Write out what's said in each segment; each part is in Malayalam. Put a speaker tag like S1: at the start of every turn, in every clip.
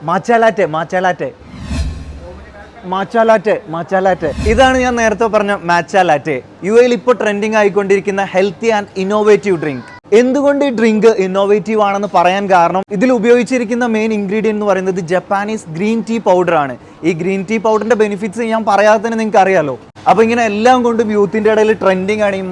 S1: മാച്ചാലാറ്റെ ഇതാണ് ഞാൻ നേരത്തെ പറഞ്ഞ മാച്ചാലാറ്റെ. യു എയിൽ ഇപ്പോൾ ട്രെൻഡിങ് ആയിക്കൊണ്ടിരിക്കുന്ന ഹെൽത്തി ആൻഡ് ഇന്നോവേറ്റീവ് ഡ്രിങ്ക്. എന്തുകൊണ്ട് ഈ ഡ്രിങ്ക് ഇന്നോവേറ്റീവ് ആണെന്ന് പറയാൻ കാരണം ഇതിൽ ഉപയോഗിച്ചിരിക്കുന്ന മെയിൻ ഇൻഗ്രീഡിയൻ്റ് എന്ന് പറയുന്നത് ജപ്പാനീസ് ഗ്രീൻ ടീ പൗഡർ ആണ്. ഈ ഗ്രീൻ ടീ പൗഡറിന്റെ ബെനിഫിറ്റ്സ് ഞാൻ പറയാതെ തന്നെ നിങ്ങൾക്ക് അറിയാലോ. അപ്പൊ ഇങ്ങനെ എല്ലാം കൊണ്ടും യൂത്തിന്റെ ഇടയിൽ ട്രെൻഡിങ് ആണ്.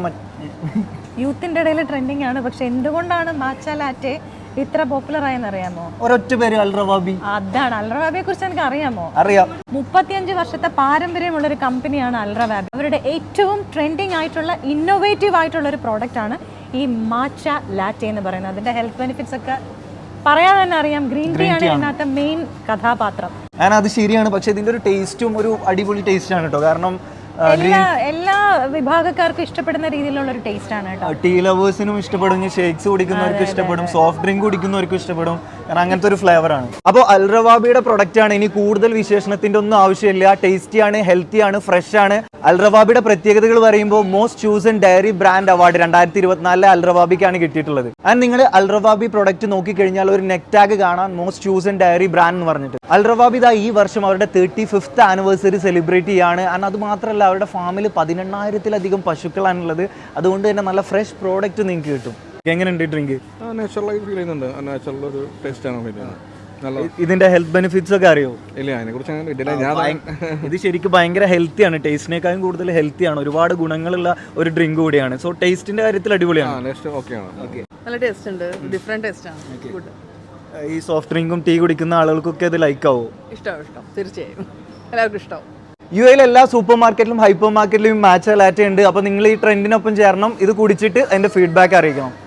S2: പക്ഷെ എന്തുകൊണ്ടാണ് മാച്ചാലാറ്റെ ഇത്ര പോപ്പുലർ ആയെന്ന് അറിയാമോ?
S1: ഒരൊറ്റ പേര്, അൽറവാബി.
S2: അതാണ്. അൽറവാബിയെ കുറിച്ച് എനിക്ക് അറിയാമോ?
S1: അറിയാം.
S2: 35 വർഷത്തെ പാരമ്പര്യമുള്ള ഒരു കമ്പനിയാണ് അൽറവാബി. അവരുടെ ഏറ്റവും ട്രെൻഡിങ് ആയിട്ടുള്ള ഇന്നോവേറ്റീവ് ആയിട്ടുള്ള ഒരു പ്രോഡക്റ്റ് ആണ് ഈ മാച്ച ലാറ്റെ എന്ന് പറയുന്നത്. അതിന്റെ ഹെൽത്ത് ബെനിഫിറ്റ്സ് ഒക്കെ പറയാൻ തന്നെ അറിയാം. ഗ്രീൻ ടീ ആണ് ഇതിനകത്തെ മെയിൻ കഥാപാത്രം.
S1: അത് ശരിയാണ്. പക്ഷെ ഇതിന്റെ ഒരു ടേസ്റ്റും ഒരു അടിപൊളി ടേസ്റ്റ് ആണ് കേട്ടോ. കാരണം
S2: എല്ലാ വിഭാഗക്കാർക്കും ഇഷ്ടപ്പെടുന്ന രീതിയിലുള്ള ഒരു ടേസ്റ്റ് ആണ് കേട്ടോ.
S1: ടീ ലവേഴ്സിനും ഇഷ്ടപ്പെടും, ഷേക്സ് കുടിക്കുന്നവർക്കും ഇഷ്ടപ്പെടും, സോഫ്റ്റ് ഡ്രിങ്ക് കുടിക്കുന്നവർക്കും ഇഷ്ടപ്പെടും. കാരണം അങ്ങനത്തെ ഒരു ഫ്ലേവർ ആണ്. അപ്പോൾ അൽറവാബിയുടെ പ്രൊഡക്റ്റ് ആണ്. ഇനി കൂടുതൽ വിശേഷണത്തിന്റെ ഒന്നും ആവശ്യമില്ല. ടേസ്റ്റി ആണ്, ഹെൽത്തി ആണ്, ഫ്രഷ് ആണ്. അൽറവാബിയുടെ പ്രത്യേകതകൾ പറയുമ്പോൾ most chosen dairy brand award 2024 അൽറവാബിക്കാണ് കിട്ടിയിട്ടുള്ളത്. ആൻഡ് നിങ്ങൾ അൽറവാബി പ്രൊഡക്റ്റ് നോക്കിക്കഴിഞ്ഞാൽ ഒരു നെക്ക് ടാഗ് കാണാൻ മോസ്റ്റ് ചൂസൺ ഡയറി ബ്രാൻഡ് എന്ന് പറഞ്ഞിട്ട്. അൽറവാബി ഈ വർഷം അവരുടെ 35th ആനിവേഴ്സറി സെലിബ്രേറ്റ് ചെയ്യാണ്. ആൻഡ് അത് മാത്രമല്ല, അവരുടെ ഫാമിൽ 18,000-ലധികം പശുക്കളാണുള്ളത്. അതുകൊണ്ട് തന്നെ നല്ല ഫ്രഷ് പ്രോഡക്റ്റ് നിങ്ങൾക്ക് കിട്ടും. എങ്ങനെയുണ്ട് ഡ്രിങ്ക്?
S3: നാച്ചുറലായി ഫീൽ ചെയ്യുന്നുണ്ട്. നാച്ചുറൽ ഒരു ടേസ്റ്റ് ആണ് ഫീൽ ചെയ്യുന്നത്.
S1: ഇതിന്റെ ഹെൽത്ത് ബെനിഫിറ്റ്സ് ഒക്കെ അറിയോ?
S3: ഇല്ല, അതിനെ കുറിച്ച്
S1: ഇത് ശരിക്കും ഭയങ്കര ഹെൽത്തി ആണ്. ടേസ്റ്റിനേക്കാളും കൂടുതൽ ഹെൽത്തി ആണ്. ഒരുപാട് ഗുണങ്ങളുള്ള ഒരു ഡ്രിങ്ക് കൂടിയാണ്. സോ ടേസ്റ്റിന്റെ കാര്യത്തിൽ അടിപൊളിയാണ്.
S4: നല്ല ടേസ്റ്റ് ഉണ്ട്. ഡിഫറെന്റ് ടേസ്റ്റ് ആണ്.
S1: ഈ സോഫ്റ്റ് ഡ്രിങ്കും ടീ കുടിക്കുന്ന ആളുകൾക്കൊക്കെ ഇത് ലൈക്ക് ആവോ?
S4: ഇഷ്ടം തീർച്ചയായും എല്ലാവർക്കും ഇഷ്ടം.
S1: യു എയിൽ എല്ലാ സൂപ്പർ മാർക്കറ്റിലും ഹൈപ്പർ മാർക്കറ്റിലും മാച്ച ലാറ്റെ ഉണ്ട്. അപ്പോൾ നിങ്ങൾ ഈ ട്രെൻഡിനൊപ്പം ചേരണം. ഇത് കുടിച്ചിട്ട് അതിന്റെ ഫീഡ്ബാക്ക് അറിയിക്കണം.